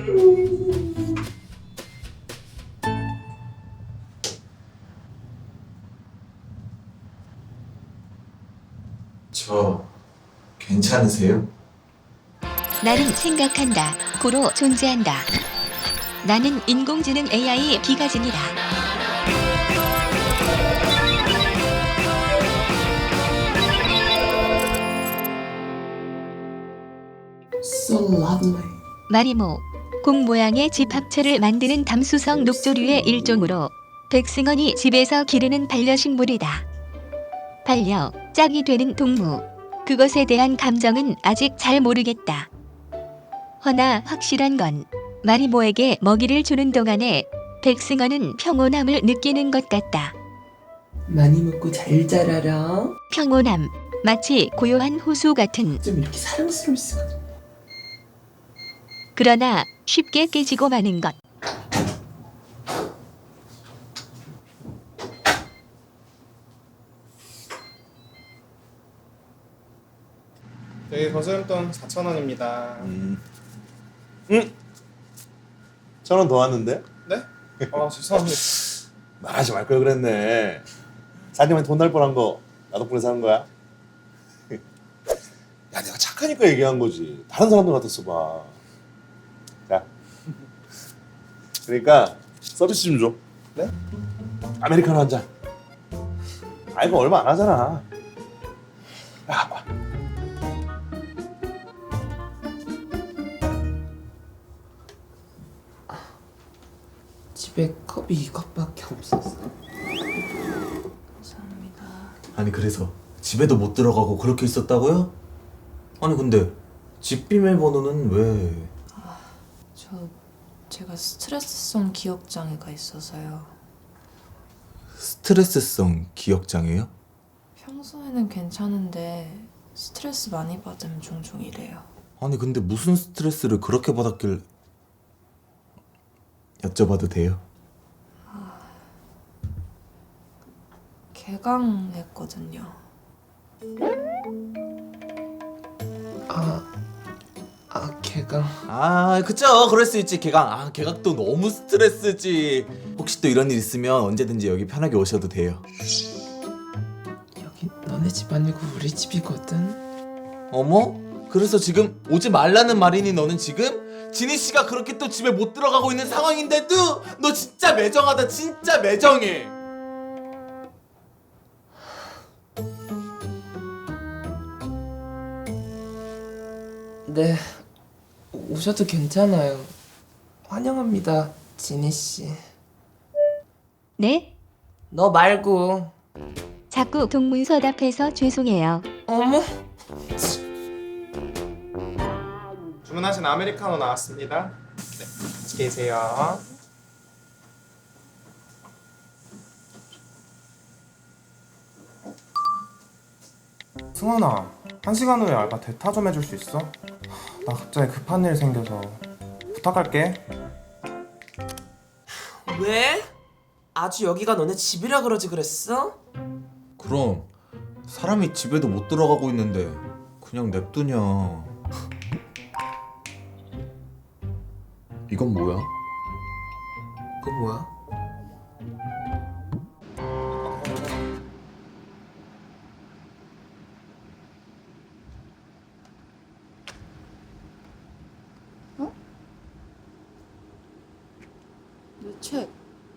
저 괜찮으세요? 나는 생각한다. 고로 존재한다. 나는 인공지능 AI 기가진이다. So lovely. 마리모, 공 모양의 집 합체를 만드는 담수성 녹조류의 일종으로 백승원이 집에서 기르는 반려식물이다. 반려, 짝이 되는 동무. 그것에 대한 감정은 아직 잘 모르겠다. 허나 확실한 건 마리모에게 먹이를 주는 동안에 백승원은 평온함을 느끼는 것 같다. 많이 먹고 잘 자라라. 평온함, 마치 고요한 호수 같은, 좀 이렇게 사랑스러울 수가. 그러나 쉽게 깨지고 마는 것. 저희 거스름돈 4,000원입니다. 응? 1,000원 더 왔는데? 네? 죄송합니다. 말하지 말 걸 그랬네. 사장님한테 돈 날 뻔한 거 나 덕분에 사는 거야? 야, 내가 착하니까 얘기한 거지. 다른 사람들 같았어 봐. 자, 그러니까 서비스 좀 줘. 네? 아메리카노 한 잔. 아, 이거 얼마 안 하잖아. 야, 봐. 집에 컵이 이것밖에 없었어. 감사합니다. 아니 그래서 집에도 못 들어가고 그렇게 있었다고요? 아니 근데 집 비밀번호는 왜? 제가 스트레스성 기억장애가 있어서요. 스트레스성 기억장애요? 평소에는 괜찮은데 스트레스 많이 받으면 종종 이래요. 아니 근데 무슨 스트레스를 그렇게 받았길 여쭤봐도 돼요? 개강했거든요. 걔가 아 그쵸 그럴 수 있지 개강. 아 개각도 너무 스트레스지. 혹시 또 이런 일 있으면 언제든지 여기 편하게 오셔도 돼요. 여기 너네 집 아니고 우리 집이거든. 어머? 그래서 지금 오지 말라는 말이니 너는 지금? 지니 씨가 그렇게 또 집에 못 들어가고 있는 상황인데도 너 진짜 매정하다. 진짜 매정해. 네, 오셔도 괜찮아요. 환영합니다, 지니 씨. 네? 너 말고. 자꾸 동문서답해서 죄송해요. 어머. 주문하신 아메리카노 나왔습니다. 네, 같이 계세요. 승원아, 1시간 후에 알바 대타 좀 해줄 수 있어? 나 갑자기 급한 일 생겨서 부탁할게. 왜? 아주 여기가 너네 집이라 그러지 그랬어? 그럼 사람이 집에도 못 들어가고 있는데 그냥 냅두냐. 이건 뭐야? 그거 뭐야? 내 책.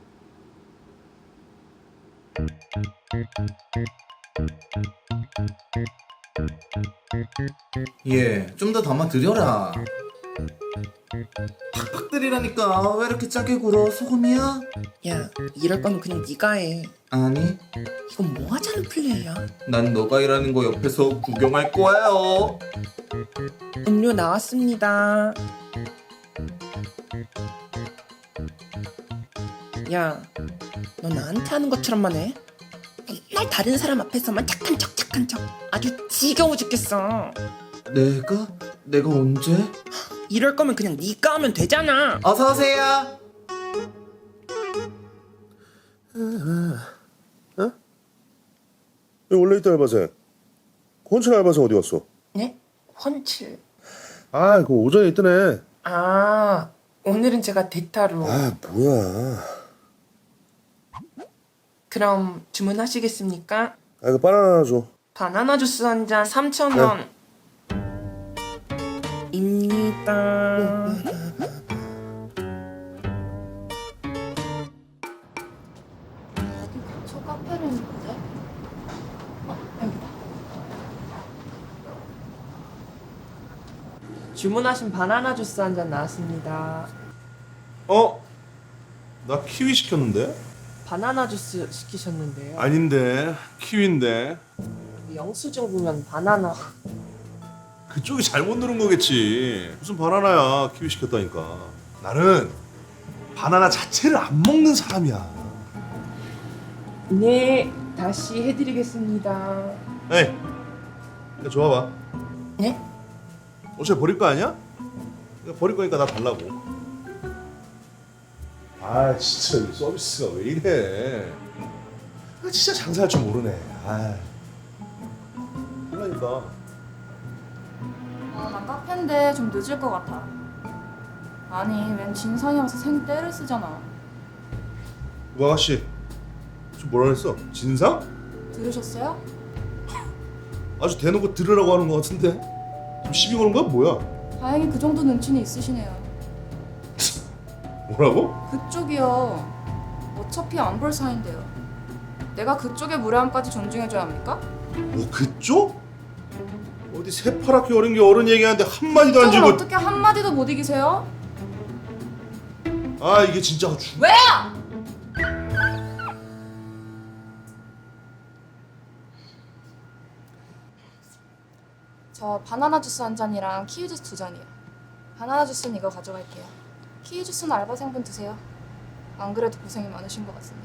예, 좀 더 담아드려라. 팍팍 때리라니까. 왜 이렇게 짜게 굴어? 소금이야? 야, 이럴 거면 그냥 네가 해. 아니, 이건 뭐 하자는 플레이야? 난 너가 일하는 거 옆에서 구경할 거예요. 음료 나왔습니다. 야, 너 나한테 하는 것처럼만 해? 맨날 다른 사람 앞에서만 착한 척 착한 척. 아주 지겨워 죽겠어. 내가 언제? 이럴 거면 그냥 네가 하면 되잖아. 어서 오세요. 원래 있던 알바생. 혼칠 알바생 어디 갔어? 네? 헌칠. 아, 그 오전에 있던 애. 아, 오늘은 제가 대타로. 아 뭐야. 그럼 주문하시겠습니까? 아 이거 바나나 하나 줘. 바나나 주스 한 잔 3,000원. 입니다. 저 카페를 있는데? 여기다. 주문하신 바나나 주스 한 잔 나왔습니다. 어? 나 키위 시켰는데? 바나나 주스 시키셨는데요. 아닌데 키위인데. 영수증 보면 바나나. 그쪽이 잘못 누른 거겠지. 무슨 바나나야. 키위 시켰다니까. 나는 바나나 자체를 안 먹는 사람이야. 네, 다시 해드리겠습니다. 에이, 이거 줘봐봐. 네? 어차피 버릴 거 아니야? 이거 버릴 거니까 나 달라고. 아 진짜 이 서비스가 왜 이래? 아 진짜 장사할 줄 모르네. 아, 그러니까. 나 카페인데 좀 늦을 것 같아. 아니, 웬 진상이 와서 생 떼를 쓰잖아. 우 아가씨, 좀 뭐라 그랬어? 진상? 들으셨어요? 아주 대놓고 들으라고 하는 거 같은데. 좀 시비 거는 거야 뭐야? 다행히 그 정도 눈치는 있으시네요. 뭐라고? 그쪽이요. 어차피 안 볼 사이인데요. 내가 그쪽의 무례함까지 존중해줘야 합니까? 뭐 그쪽? 어디 새파랗게 어린 게 어른 얘기하는데 한 마디도 안 그쪽을 주고. 어떻게 한마디도 못 이기세요? 아 이게 진짜 왜요? 저 바나나 주스 한 잔이랑 키위 주스 2잔이요. 바나나 주스는 이거 가져갈게요. 키위 주스는 알바생분 드세요. 안 그래도 고생이 많으신 것 같은데.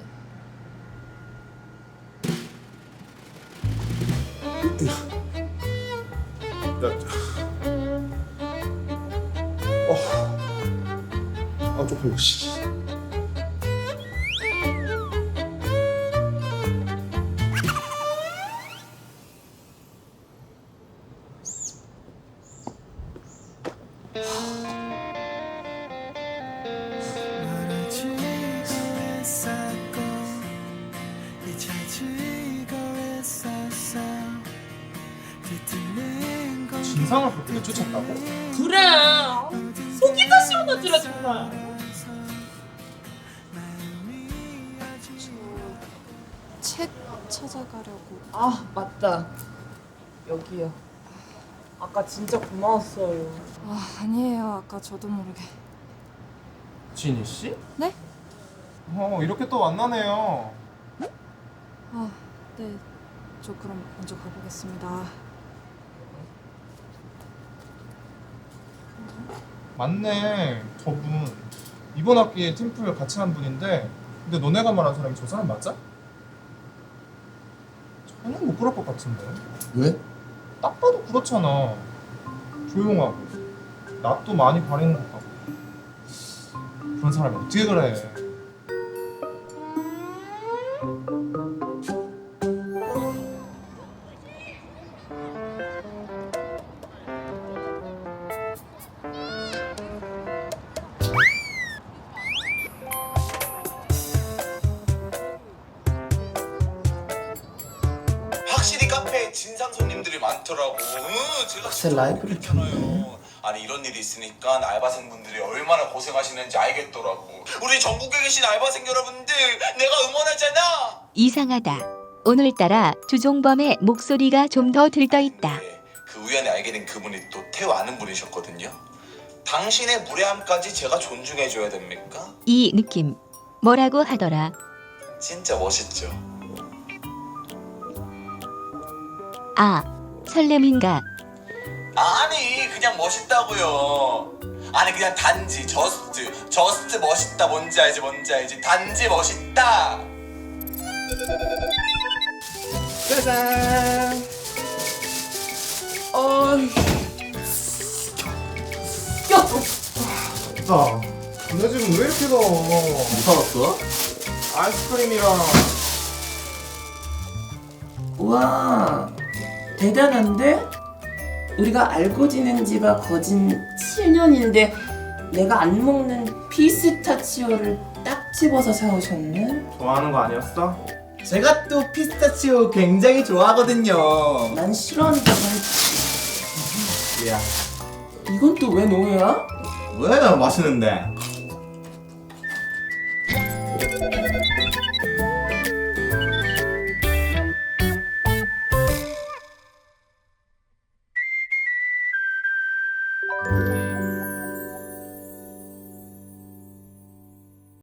아 쪽팔려. 씨. 진상을 그렇게 쫓았다고? 그래. 속이 다 시원하지라 정말. 책 찾아가려고. 아 맞다. 여기요. 아까 진짜 고마웠어요. 아니에요. 아까 저도 모르게. 진희 씨? 네? 이렇게 또 만나네요. 네. 저 그럼 먼저 가보겠습니다. 맞네, 저분. 이번 학기에 팀플 같이 한 분인데, 근데 너네가 말한 사람이 저 사람 맞아? 전혀 못 그럴 것 같은데. 왜? 딱 봐도 그렇잖아. 조용하고, 낯도 많이 가리는 것 같고. 그런 사람이 어떻게 그래? 확실히 카페에 진상 손님들이 많더라고. 제가 글쎄, 진짜 라이브를 모르겠잖아요. 켰네. 아니 이런 일이 있으니까 알바생분들이 얼마나 고생하시는지 알겠더라고. 우리 전국에 계신 알바생 여러분들 내가 응원하잖아. 이상하다. 오늘따라 주종범의 목소리가 좀 더 들떠있다. 그 우연히 알게 된 그분이 또 태우 아는 분이셨거든요. 당신의 무례함까지 제가 존중해줘야 됩니까? 이 느낌 뭐라고 하더라. 진짜 멋있죠. 아, 설렘인가. 아니 그냥 멋있다고요. 아니 그냥 단지 저스트 멋있다. 뭔지 알지 단지 멋있다. 짜잔. 야, 너 지금 왜 이렇게 더워? 무서웠어? 아이스크림이랑 우와, 대단한데? 우리가 알고 지낸 지가 거진 7년인데 내가 안 먹는 피스타치오를 딱 집어서 사오셨네? 좋아하는 거 아니었어? 제가 또 피스타치오 굉장히 좋아하거든요. 난 싫어한다고 했지. 야, 이건 또 왜 노예야? 왜 맛있는데?